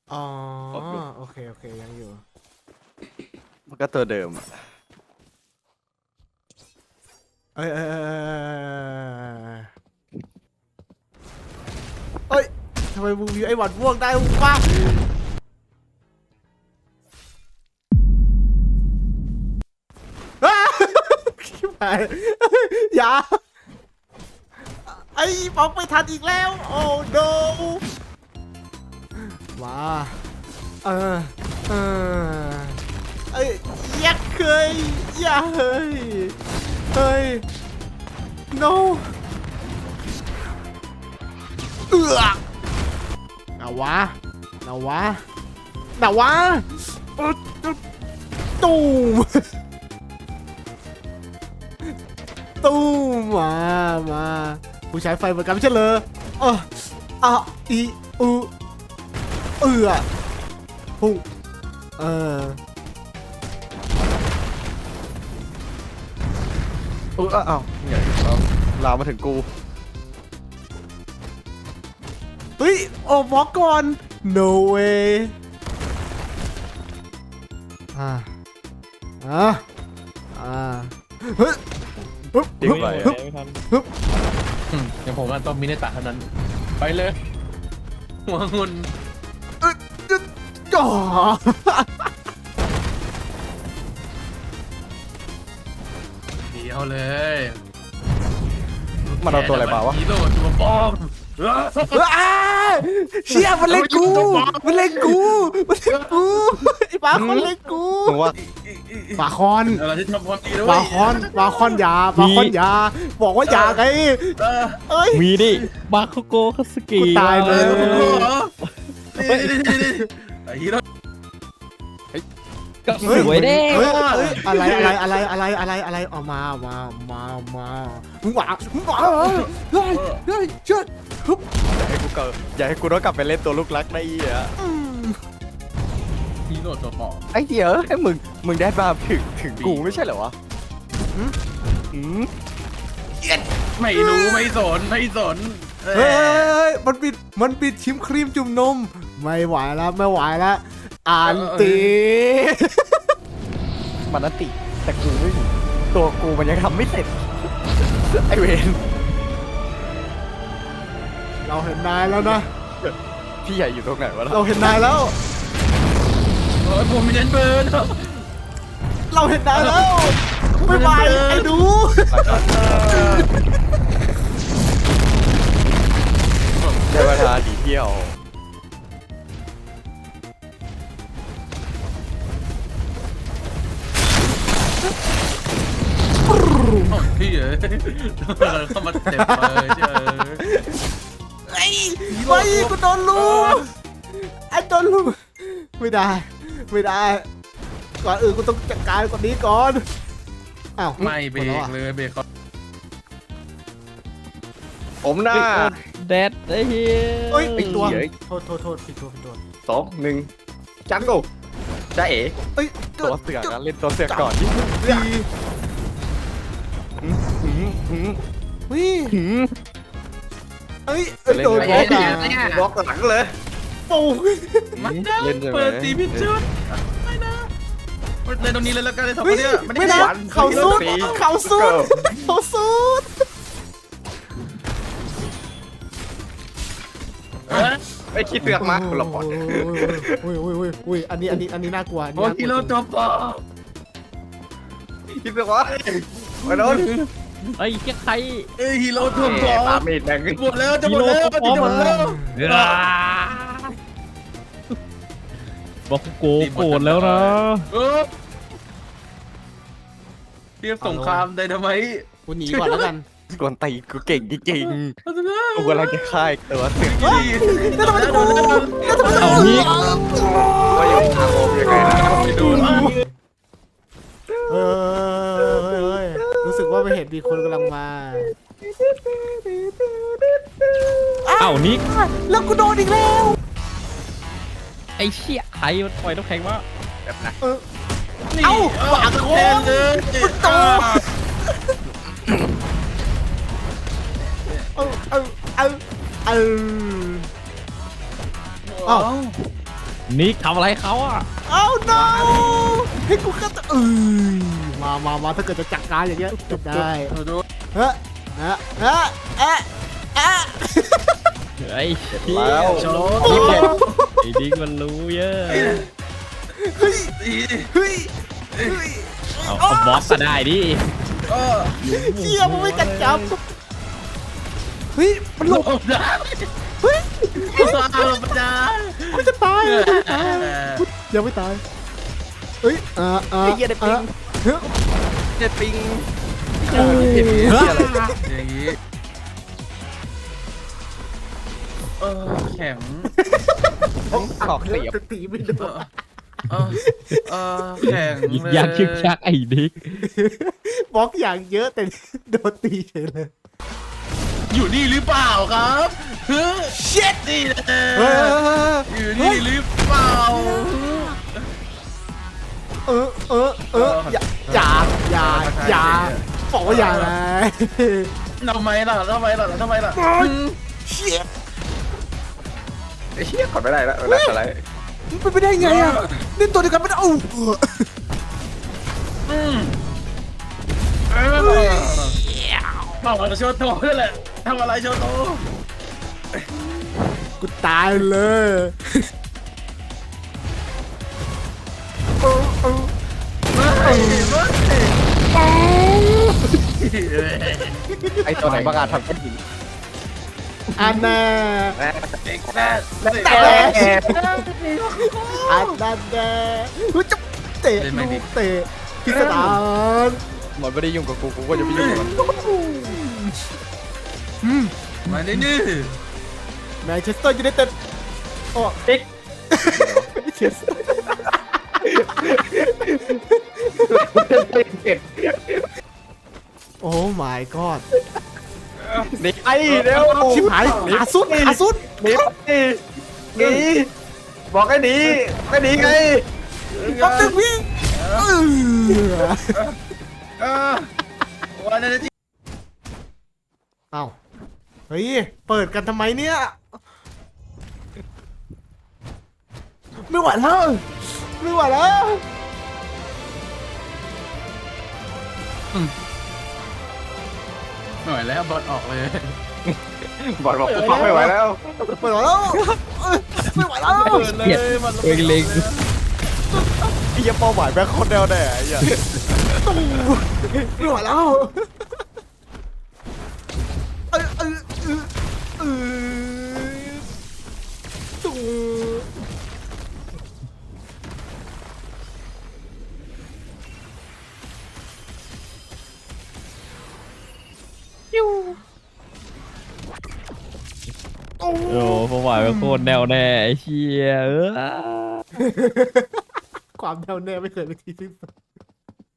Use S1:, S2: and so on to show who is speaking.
S1: อ๋อ
S2: ครบอยู่
S1: โอเคโอเคยังอยู่
S2: มันก็ตัวเดิมอะ
S1: เอ้ยเอ้ยทำไมมึงมีไอ้หวัดม่วงได้วะอ้าชิบหายอย่าไอ้บล็อกไม่ทันอีกแล้วโอ้ no มาเออเออเอ้ยยักเคยอย่าเฮ้ยเฮ้ย no เอือเอาวะเอาวะเอาวะตูมตูมมาผู้ใช้ไฟเหมือนกันไม่ใช่เลยอีอูเอือพุ่งเออ
S2: อ้าวเนี่ยเอาลามมาถึงกู
S1: เฮ้ยโอ้บล็อกก่อน no way อ่าเฮ้ย
S2: จริงไปอะ
S3: ไม่ทันอย่างผมต้องมินเนตะเท่านั้น ไปเลยหัวงุน
S1: ก่อ
S3: เดียวเลย
S2: มันเอาตัวอะไรมาวะ
S3: ฮีโร่ตัวบอม
S1: เชี่ยมันเล่นกูมันเล่นกูไอ้ปลาคอนเล่นกู
S2: มึงว่า
S1: ปลาคอน
S3: เราจะทำความดีด้ว
S1: ปลาย คอนยาปลาคอนยาบอกว่าอยาไงเอ้ย
S4: มีดิบาโคโกคาสกิ
S1: กูตายเลย
S3: ไอ้ฮีโร่
S4: ก็สวยเด้
S1: เฮ้ยอะไรออกมามึงหวาเฮ้ยเชิดฮึบ
S2: อย่าให้กูต้องกลับไปเล่นตัวลูกรักได้อีอ่ะ
S3: ฮีโร่ตัวปอม
S2: ไอ้เหี้ยให้มึงได้มาถึงกูไม่ใช่เหรอวะอืม
S3: ไม่รู้ไม่สน
S1: เฮ้ยมันปิดชิมครีมจุ่มนมไม่ไหวแล้วอ่านตี
S2: มันนันติแต่กูไม่มีตัวกูมันยังทำไม่เสร็จไอเวน
S1: เราเห็นนายแล้วนะ
S2: พี่ใหญ่อยู่ตรงไหนวะล่ะ
S1: เราเห็นนายแล้ว
S3: โอ้ยผมมีเน้นเบิร์น
S1: เราเห็นนายแล้วไม่ไหวไอ้ดู
S2: ได้เวลาดีเที่ยว
S3: พี่เอ๋เข้ามาเจ็บเลยเจ้า
S1: ไอ้กูโดนลูกไอ้โดนลูกไม่ได้ก่อนอื่นกูต้องจัดการก่อนนี้ก่อนอ้าว
S3: ไม่เบรกเลยเบรกเขา
S2: ผมหน้า
S4: แดดไอ้เหี้ย
S1: เฮ้ยผิดตัว
S2: เฮ้ย
S1: โทษผิดตัว
S2: 2 1จังกูจ้าเอ๋
S1: เอ้ย
S2: ตัวเสือกนะเล่นตัวเสือกก่อนดิ
S1: ดี วิเอ้ยโดนบล็อกอ่ะ
S2: บล็อกหลังเลย
S1: ปู
S3: มันได้
S2: เล่นใช่ไหม
S3: เปิดตีพิชุดไม่นะเล่นตรงนี้เลยแล้วกันเลยสองค
S1: ไม่
S3: นเนี้ย
S1: ไม่นะเขาสุด
S2: ไอ้ขี้เสือกมาคนละพอด
S1: อุ้ยอันนี้น่ากลัว
S3: โอ้กิโลตัวปอ
S2: ขี้เสือกวะไปโดน
S4: ไอ้เหี้ยใคร
S3: เอ้ยฮีโร่ตัวปอ
S2: ปาเมดแดง
S3: หมดแล้วจะหมดแล้วจะหมดแล้ว
S4: บาโคโกโกรธแล้วนะ
S3: เทียบสงครามไดนาไมต์
S1: กูหนีก่อนแล้วกัน
S2: กวนตีกูเก่งจริงๆกูกำลังจะฆ่าตัวเสือก
S1: แล้วทำไมกู
S4: เอานี้
S2: ว่าอยู่ทางโอมยังไงนะ
S3: ไปโดน
S1: เฮ้ยรู้สึกว่าไม่เห็นมีคนกำลังมา
S4: เอานิก
S1: แล้วกูโดนอีกแล้ว
S4: ไอ้เชี่ยใครมันปล่อยน้ำแข็งวะ
S2: แบบนะ
S1: เอ้าปากโค้ง
S3: เลย
S1: มันโตเอ้า
S4: นิกทำอะไรเขาอ่ะ
S1: เอ้า no ให้กูก็จะมาถ้าเกิดจะจัดการอย่างเงี้ยจบได้
S3: ดู
S1: เฮ้ยเฮ้ยเฮ้ยเฮ้ยเฮ้ย
S4: ไอ้เหี้ย
S2: แล้ว
S3: โช
S1: โอ้
S3: ว์
S1: โห
S4: ไอ้ดิกมันรู้เยอะ
S1: เฮ้ยเฮ้ย
S4: เอาบล็อกก็ได้ดิ
S1: เชี่ยมันไม่กันจับเฮ้ยมันหลบ
S3: โอ้ได้
S1: เฮ้ย
S3: ลงได้
S1: กูจะตายยังไม่ตายเฮ้ย
S2: ไอ้เหี้ยได้ปิง
S1: เฮ้ย
S2: เจ็ดปิง
S1: โอ้ย
S3: อย่างนี้แข็ง
S2: ขอกเสียบ
S1: จะตีไม่โดน
S3: แข็ง
S4: ยิกยักชึกชักไอ้ดิก
S1: บล็อกอย่างเยอะแต่โดนตีเฉยเลย
S3: อยู่นี่หรือเปล่าครับเฮ้ย
S1: shit
S3: นี่แหละ
S1: เฮ้ย
S3: อยู่นี่หรือเปล่า
S1: อย่าบอกว่าอย่านะ
S3: ทำไมล่ะ
S1: shit
S2: ไอ้เหี้ยกดไม่ได้แล้วอะไร
S1: มันเป็นไปได้ไงอ่ะนี่ตัวเดียวกันไม่ได้
S3: ทำอะไรโชว์โตนั่นแหละทำอะไรโชว์โต
S1: กูตายเลย
S2: ไอ้ตัวไหนบ้างอะทำก้อนหิน
S1: อันน่ะ
S2: แม่
S1: แต่อันนั้นแน่กูจะเตะลูกเตะพิสดาร
S2: มันไม่ได้ยุ่งกับกูก็จะไม่ยุ่งกับมัน
S3: มาดินี่
S1: แมนเชสเตอร์ยูไนเต็ดโอ้เด็กเชส โอ้ my god
S2: หนีไอ้เร็ว
S1: ชิบหายขาสุด
S2: หนีบอกให้หนีไม่หนีไง
S1: แป๊บนึงพี่
S3: วันนี้ที่
S1: เอ้าเฮ้ยเปิดกันทำไมเนี่ยไม่ไหวแล้วไม่ไหวแล้ว
S3: หน่อยแล้วบอลออกเลย
S2: บอกกูฟังไม่ไหวแล้ว
S1: ไม่ไหวแล้วไม่ไหวแล้ว
S4: เกลียดเองเล็ง
S2: ไอ้เหี้ยเป้าหมายแม่งโคตรแน่วแน่ไอ้เหี้ย
S1: ไม่ไหวแล้วตู้
S4: โอ้ผมหมายเป็นโคตรแนวแน่ไอ้เชี่ย
S1: ความแน่วแน่ไม่เคยไปนที่สิ้นสุด